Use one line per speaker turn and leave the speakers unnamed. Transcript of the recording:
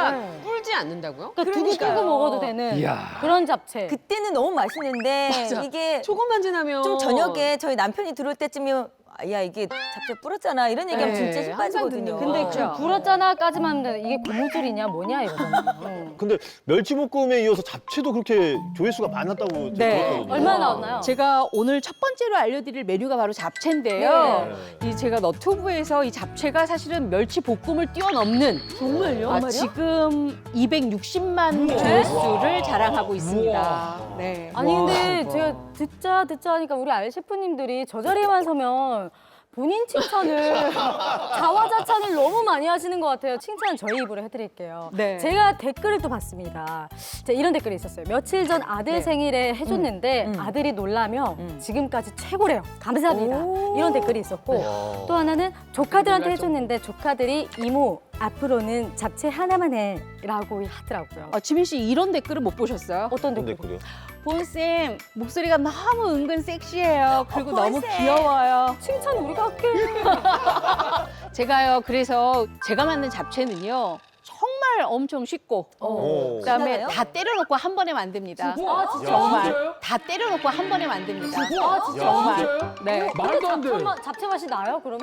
잡채가 불지 않는다고요?
그러니까 두고 끓고 먹어도 되는
이야.
그런 잡채.
그때는 너무 맛있는데 이게
조금만 지나면
좀 저녁에 저희 남편이 들어올 때쯤이면 야 이게 잡채 불었잖아 이런 얘기하면
네,
진짜 힘
항상
빠지거든요.
듣는
근데
그렇죠.
불었잖아까지만 하면 되는데 이게 고무줄이냐 뭐냐 이러잖아요.
근데 멸치볶음에 이어서 잡채도 그렇게 조회수가 많았다고
네.
들었거든요.
얼마나 나왔나요?
제가 오늘 첫 번째로 알려드릴 메뉴가 바로 잡채인데요. 이 제가 너튜브에서 이 잡채가 사실은 멸치 볶음을 뛰어넘는
정말요?
지금 260만 조회수를 자랑하고 있습니다. 네.
아니 근데 제가 듣자 하니까 우리 알 셰프님들이 저 자리에만 서면 본인 칭찬을 자화자찬을 너무 많이 하시는 것 같아요. 칭찬 저희 입으로 해드릴게요.
네.
제가 댓글을 또 봤습니다. 자, 이런 댓글이 있었어요. 며칠 전 아들 생일에 해줬는데 아들이 놀라며 지금까지 최고래요. 감사합니다. 이런 댓글이 있었고 또 하나는 조카들한테 해줬는데 조카들이 이모 앞으로는 잡채 하나만 해라고 하더라고요.
지민 씨 이런 댓글은 못 보셨어요?
어떤
근데
댓글?
그래요?
본쌤 목소리가 너무 은근 섹시해요. 그리고 너무
본쌤.
귀여워요.
칭찬 우리가 할게.
제가요 그래서 제가 만든 잡채는요 정말 엄청 쉽고 그다음에
신나요?
다 때려놓고 한 번에 만듭니다.
아 진짜?
정말 다 때려놓고 한 번에 만듭니다.
아 진짜?
정말. 네.
말도 안 돼.
잡채 맛이 나요 그러면?